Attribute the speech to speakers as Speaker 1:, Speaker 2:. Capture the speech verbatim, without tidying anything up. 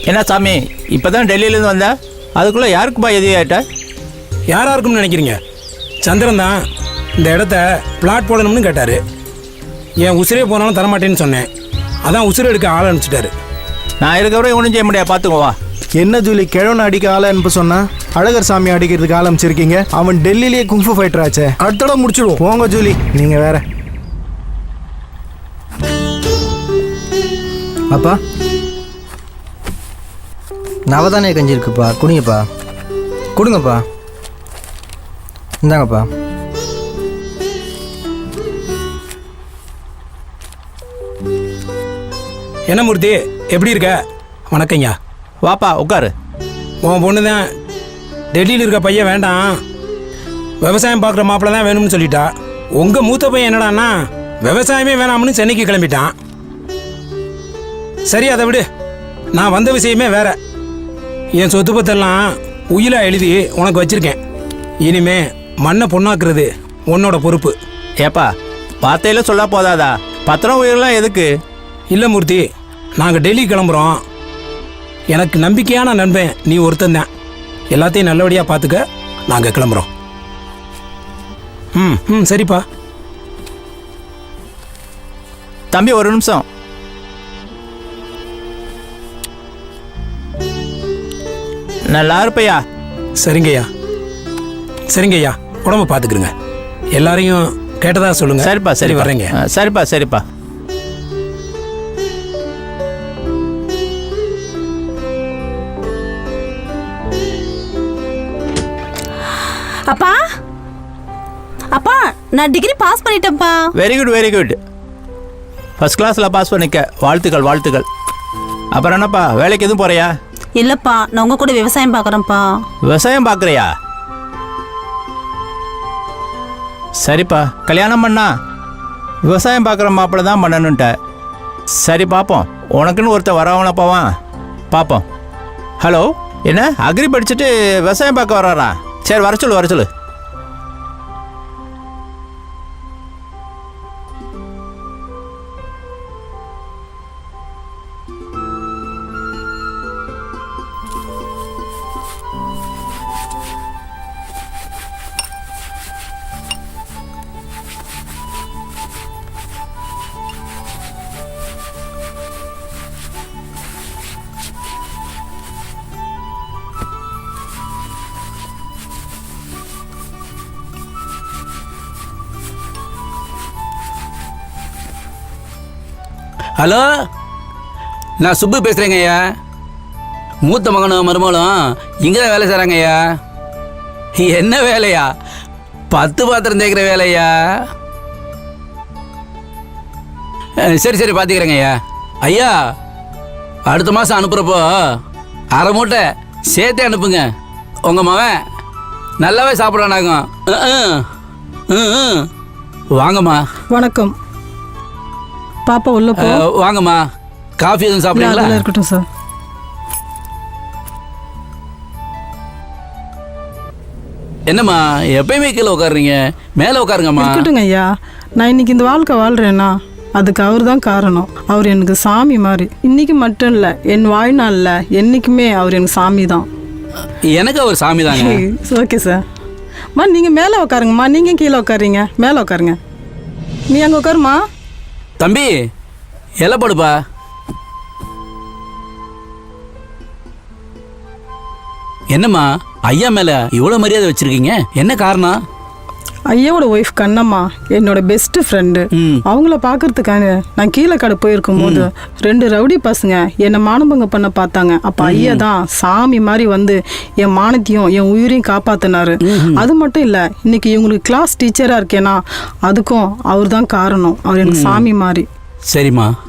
Speaker 1: என்ன சாமி இப்போ தான் டெல்லியிலேருந்து வந்தா அதுக்குள்ளே யாருக்குப்பா எதிரி ஆகிட்ட?
Speaker 2: யாராக இருக்கும்னு நினைக்கிறீங்க? சந்திரன் தான் இந்த இடத்த பிளாட் போடணும்னு கேட்டார். என் உசிரே போனாலும் தரமாட்டேன்னு சொன்னேன். அதான் உசிரை எடுக்க ஆள் அனுப்பிச்சிட்டாரு.
Speaker 1: நான் இருக்கிறவரை ஒன்றும் செய்ய முடியாது, பார்த்துக்குவா.
Speaker 3: என்ன ஜூலி, கிழவனை அடிக்க ஆளை அனுப்ப சொன்னா அழகர் சாமி அடிக்கிறதுக்கு ஆள் அமைச்சிருக்கீங்க. அவன் டெல்லியிலேயே குங்ஃபு ஃபைட்டர் ஆச்சே. அடுத்த தடவை முடிச்சுடுவோம். போங்க ஜூலி, நீங்கள் வேற.
Speaker 4: அப்பா நவதானே கஞ்சி இருக்குப்பா, குடிங்கப்பா. கொடுங்கப்பா, இந்தாங்கப்பா.
Speaker 2: என்ன மூர்த்தி, எப்படி இருக்க? வணக்கங்கய்யா.
Speaker 1: வாப்பா உட்காரு.
Speaker 2: உன் பொண்ணு தான் டெல்லியில் இருக்க பையன் வேண்டாம், விவசாயம் பார்க்குற மாப்பிள்ள தான் வேணும்னு சொல்லிட்டா. உங்கள் மூத்த பையன் என்னடான்னா விவசாயமே வேணாம்னு சென்னைக்கு கிளம்பிட்டான். சரி, அதை விடு. நான் வந்த விஷயமே வேற. என் சொத்து பத்தெல்லாம் உயிலா எழுதி உனக்கு வச்சிருக்கேன். இனிமே மண்ணை பொண்ணாக்குறது உன்னோட பொறுப்பு.
Speaker 1: ஏப்பா வார்த்தையில சொல்ல போதாதா? பத்திரம் உயிரெல்லாம் எதுக்கு?
Speaker 2: இல்லை மூர்த்தி, நாங்கள் டெல்லி கிளம்புறோம். எனக்கு நம்பிக்கையான நண்பன் நீ ஒருத்தன் தான். எல்லாத்தையும் நல்லபடியாக பார்த்துக்க. நாங்கள் கிளம்புறோம். ம் ம் சரிப்பா.
Speaker 1: தம்பி ஒரு நிமிஷம். நல்லா இருப்பையா?
Speaker 2: சரிங்கய்யா, சரிங்கய்யா. உடம்பு பார்த்துக்குறங்க. எல்லாரையும் கேட்டதா சொல்லுங்க.
Speaker 1: சரிப்பா சரி
Speaker 2: வர்றேங்க.
Speaker 1: சரிப்பா சரிப்பா.
Speaker 5: அப்பா அப்பா நான் டிகிரி பாஸ் பண்ணிட்டேன்ப்பா.
Speaker 1: Very good very good. First கிளாஸில் பாஸ் பண்ணிக்க. வாழ்த்துக்கள் வாழ்த்துக்கள். அப்புறம் என்னப்பா, வேலைக்கு எதுவும் போறியா?
Speaker 5: இல்லப்பா, நான் உங்க கூட விவசாயம் பார்க்குறேன்ப்பா.
Speaker 1: விவசாயம் பார்க்குறியா? சரிப்பா, கல்யாணம் பண்ணா விவசாயம் பார்க்குற மாப்பிள்ள தான் பண்ணணுன்ட்ட. சரி பார்ப்போம், உனக்குன்னு ஒருத்தர் வரவனப்பாவான் பார்ப்போம். ஹலோ, என்ன அக்ரி படிச்சுட்டு விவசாயம் பார்க்க வர்றாரா? சரி வர சொல்லு வர சொல்லு.
Speaker 6: ஹலோ, நான் சுப்பு பேசுகிறேங்க ஐயா. மூத்த மகனும் மருமகளும் இங்கே தான் வேலை செய்கிறாங்க ஐயா. என்ன வேலையா? பத்து பாத்திரம் தேய்க்கிற வேலையா? சரி சரி பார்த்துக்கிறேங்க ஐயா. ஐயா, அடுத்த மாதம் அனுப்புகிறப்போ அரை மூட்டை சேர்த்தே அனுப்புங்க. உங்கள் மகன் நல்லாவே சாப்பிட்றானாகும். வாங்கம்மா.
Speaker 7: வணக்கம். பாப்பா உள்ள போ.
Speaker 6: வாங்கம்மா. காஃபி எதுவும் சாப்பிடுங்களா?
Speaker 7: இருக்கட்டும் சார்.
Speaker 6: என்னம்மா எப்பயுமே கீழே உட்காருறீங்க, மேலே உட்காருங்கம்மா.
Speaker 7: இருக்கட்டுங்க ஐயா, நான் இன்னைக்கு இந்த வாழ்க்கை வாழ்றேன்னா அதுக்கு அவர் தான் காரணம். அவர் எனக்கு சாமி மாதிரி. இன்னைக்கு மட்டும் இல்லை, என் வாழ்நாளில் என்றைக்குமே அவர் எனக்கு சாமி தான்.
Speaker 6: எனக்கு அவர் சாமி தாங்க.
Speaker 7: Okay sir. மா நீங்கள் மேலே உட்காருங்கம்மா. நீங்கள் கீழே உட்காருங்க. மேலே உட்காருங்க. நீ அங்கே உட்காருமா.
Speaker 6: தம்பி எல்லை போடுப்பா. என்னம்மா ஐயா மேல இவ்வளவு மரியாதை வச்சிருக்கீங்க, என்ன காரணம்?
Speaker 7: ஐயாவோட ஒய்ஃப் கண்ணம்மா என்னோட பெஸ்ட் ஃப்ரெண்டு. அவங்கள பார்க்கறதுக்காக நான் கீழக்காடு போயிருக்கும் போது ரெண்டு ரவுடி பசங்க என்னை மானபங்க பண்ண பார்த்தாங்க. அப்போ ஐயா தான் சாமி மாதிரி வந்து என் மானத்தையும் என் உயிரையும் காப்பாத்தினாரு. அது மட்டும் இல்லை, இன்னைக்கு இவங்களுக்கு கிளாஸ் டீச்சராக இருக்கேன்னா அதுக்கும் அவர் தான் காரணம். அவர் எனக்கு சாமி மாதிரி.
Speaker 6: சரிம்மா.